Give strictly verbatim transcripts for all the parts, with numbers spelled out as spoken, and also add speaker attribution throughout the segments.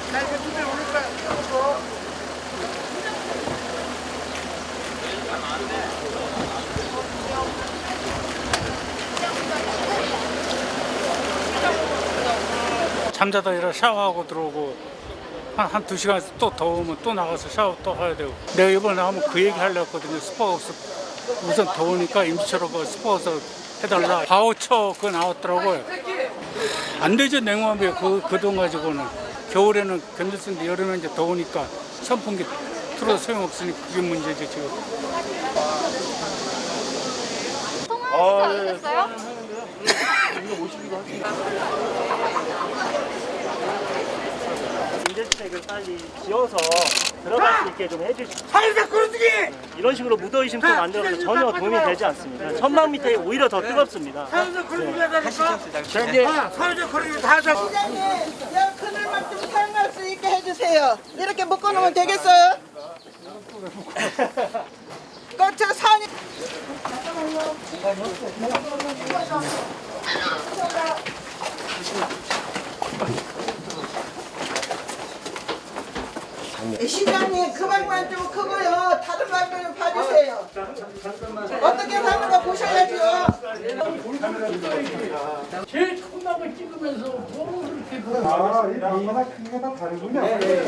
Speaker 1: 잠자다 일어 샤워하고 들어오고 한, 한 두 시간 또 더우면 또 나가서 샤워 또 해야 되고. 내가 이번에 한번 그 얘기 하려고 했거든요. 스포하우스 우선 더우니까 임시로 그 스포하우스 해달라. 바우처 그거 나왔더라고요. 안 되죠. 냉방비 그, 그 돈 가지고는. 겨울에는 견딜 수 있는데 여름에 이제 더우니까 선풍기 틀어도 소용없으니 그게 문제죠 지금.
Speaker 2: 통화하셨어요?
Speaker 3: 임대주택을 빨리 지어서 들어갈 수 있게 좀 해주시고
Speaker 4: 사회적 거르기!
Speaker 3: 이런 식으로 무더위심도 만들어서 전혀 도움이 되지 않습니다. 천막 밑에 오히려 더 뜨겁습니다.
Speaker 4: 사회적 거르기 하다니까? 사회적 거르기 다 하자.
Speaker 5: 시장님, 여 그늘만 좀 사용할 수 있게 해주세요. 이렇게 묶어놓으면 되겠어요? 그저 산이. 시장님, 그 방만 좀 크고요. 다른 방만 좀 봐주세요. 어떻게 사는 거 보셔야죠.
Speaker 1: 제일 큰 방을 찍으면서 뭐 그렇게
Speaker 4: 아, 이 방마다 크기가 다 다르군요.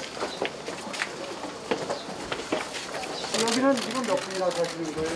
Speaker 4: 여기는 지금 몇 분이나 사시는 거예요?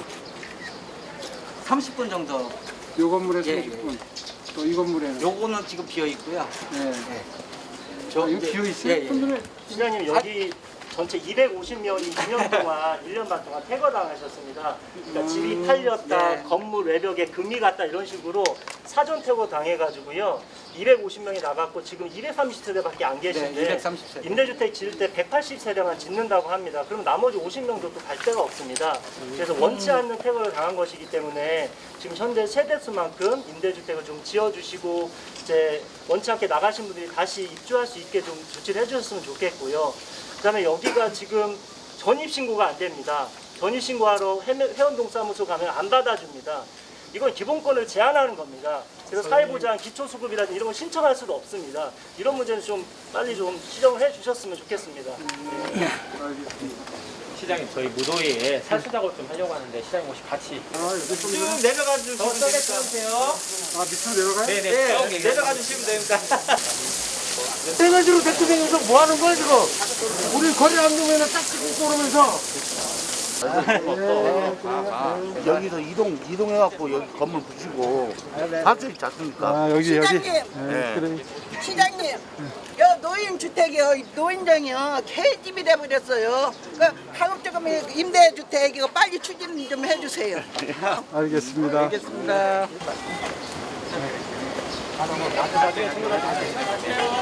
Speaker 6: 삼십 분 정도.
Speaker 4: 요 건물에
Speaker 6: 예,
Speaker 4: 삼십 분. 또 이 건물에는?
Speaker 6: 요거는 지금 비어 있고요.
Speaker 4: 네.
Speaker 6: 네.
Speaker 4: 저 아, 이거
Speaker 6: 이제-
Speaker 4: 비어 있어요?
Speaker 6: 예, 예.
Speaker 3: 시장님 여기 전체 이백오십 명이 이 년 동안 일 년 반 동안 퇴거당하셨습니다. 그러니까 집이 팔렸다,
Speaker 6: 네.
Speaker 3: 건물 외벽에 금이 갔다 이런 식으로 사전 퇴거 당해가지고요. 이백오십 명이 나갔고 지금 이백삼십 세대밖에 안 계신데
Speaker 6: 네, 이백삼십 세대.
Speaker 3: 임대주택 지을 때 백팔십 세대만 짓는다고 합니다. 그럼 나머지 오십 명도 또 갈 데가 없습니다. 그래서 원치 않는 퇴거를 당한 것이기 때문에 지금 현재 세대수만큼 임대주택을 좀 지어주시고 이제 원치 않게 나가신 분들이 다시 입주할 수 있게 좀 조치를 해주셨으면 좋겠고요. 그다음에 여기가 지금 전입신고가 안 됩니다. 전입신고하러 회원동 사무소 가면 안 받아줍니다. 이건 기본권을 제한하는 겁니다. 그래서 사회보장, 기초수급이라든지 이런 걸 신청할 수도 없습니다. 이런 문제는 좀 빨리 좀 시정을 해주셨으면 좋겠습니다. 네.
Speaker 7: 시장님 저희 무도회에 살수 작업 좀 하려고 하는데 시장님 혹시 같이
Speaker 6: 쭉 내려가 주시면 되세요.
Speaker 4: 아, 밑으로 내려가요?
Speaker 7: 네네
Speaker 6: 네, 내려가 주시면 됩니다.
Speaker 4: 떼가지로 데리고 다니면서 뭐 하는 거야, 지금? 우리 거리 안 두면 딱 찍고 그러면서.
Speaker 8: 여기서 이동 이동해갖고 여기 건물 부시고 할 수 있지 않습니까?
Speaker 4: 아, 여기,
Speaker 5: 시장님,
Speaker 8: 네.
Speaker 5: 시장님, 여 노인 주택이요, 노인정이요, 개집이 돼버렸어요. 그 가급적이면 임대주택 이거 빨리 추진 좀 해주세요.
Speaker 4: 알겠습니다.
Speaker 6: 알겠습니다.